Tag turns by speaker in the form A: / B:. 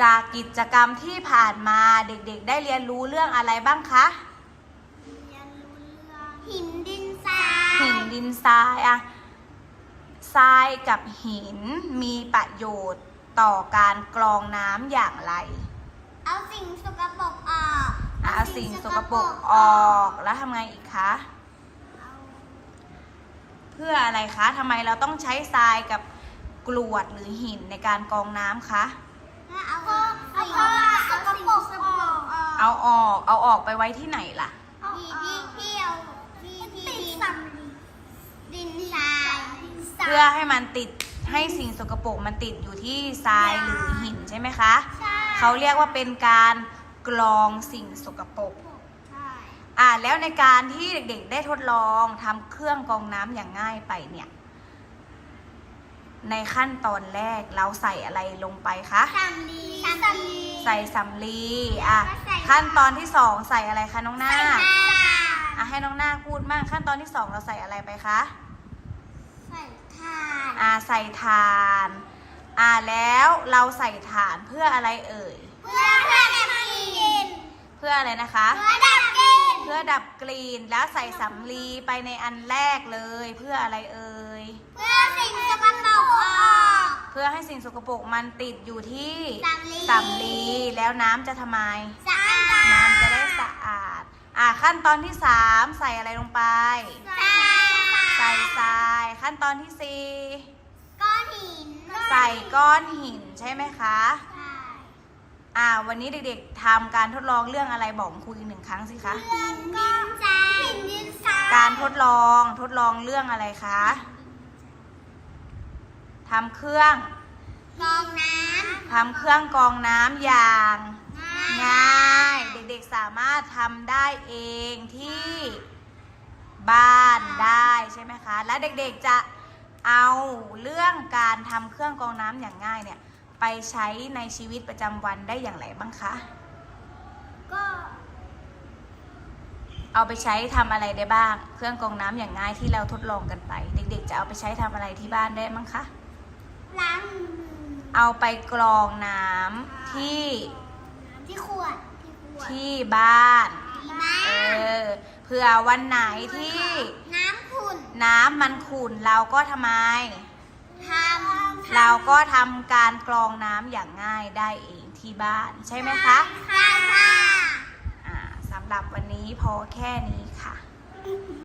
A: จากกิจกรรมที่ผ่านมาเด็กๆได้เรียนรู้เรื่องอะไรบ้างคะ
B: เรียนรู้เรื่องหินดินทราย
A: หินดินทรายอะทรายกับหินมีประโยชน์ต่อการกรองน้ำอย่างไร
B: เอาสิ่งสกปรกออก
A: เอาสิ่งสกปรกออกแล้วทำไงอีกคะเพื่ออะไรคะทำไมเราต้องใช้ทรายกับกรวดหรือหินในการกรองน้ำคะ
B: เอาสิ่งสกปรกออก
A: เอาออกไปไว้ที่ไหนล่ะ
B: ที่เอาที่ดินทราย
A: เพื่อให้มันติดให้สิ่งสกปรกมันติดอยู่ที่ทรายหรือหินใช่ไหมคะเขาเรียกว่าเป็นการกรองสิ่งสกปรกแล้วในการที่เด็กๆได้ทดลองทำเครื่องกรองน้ำอย่างง่ายไปเนี่ยในขั้นตอนแรกเราใส่อะไรลงไปคะ
B: สำลี
A: ใส่สำลีขั้นตอนที่2ใส่อะไรคะน้องนาคให้น้องนาคพูดมั่งขั้นตอนที่2เราใส่อะไรไปคะ
B: ใส่ถ่าน
A: ใส่ถ่านแล้วเราใส่ถ่านเพื่ออะไรเอ่ย
B: เพื่อดับกลิ่น
A: เพื่ออะไรนะคะ
B: เพื่อดับกลิ่น
A: แล้วใส่สำลีไปในอันแรกเลยเพื่ออะไรเอ่ย
B: เพื่อสิ่งสกปรกออก
A: เพื่อให้สิ่งสกปรกมันติดอยู่ที่
B: สำลี
A: แล้วน้ำจะทำไม
B: สะอาด
A: น้ำจะได้สะอาดขั้นตอนที่3ใส่อะไรลงไปใส่ทรายขั้นตอนที่4
B: ก้อนหิน
A: ใส่ก้อนหินใช่ไหมคะวันนี้เด็กๆทำการทดลองเรื่องอะไรบอกครูอีก1 ครั้งสิคะ
B: หินดินทราย
A: การทดลองเรื่องอะไรคะทำเครื่อง
B: กรองน้
A: ำอย่างง่ายเด็กๆสามารถทำได้เองที่บ้านได้ใช่ไหมคะและเด็กๆจะเอาเรื่องการทำเครื่องกรองน้ำอย่างง่ายเนี่ยไปใช้ในชีวิตประจำวันได้อย่างไรบ้างคะ
B: ก็
A: เอาไปใช้ทำอะไรได้บ้างเครื่องกรองน้ำอย่างง่ายที่เราทดลองกันไปเด็กๆจะเอาไปใช้ทำอะไรที่บ้านได้บ้างคะ
B: ล้าง
A: เอาไปกรองน้ำที่
B: ขวด
A: ที่บ้านเผื่อวันไหนที่น้ำมันขุ่นเราก็ทำไมเราก็ทำการกรองน้ำอย่างง่ายได้เองที่บ้านใช่ไหมคะ
B: ค่ะ
A: สำหรับวันนี้พอแค่นี้ค่ะ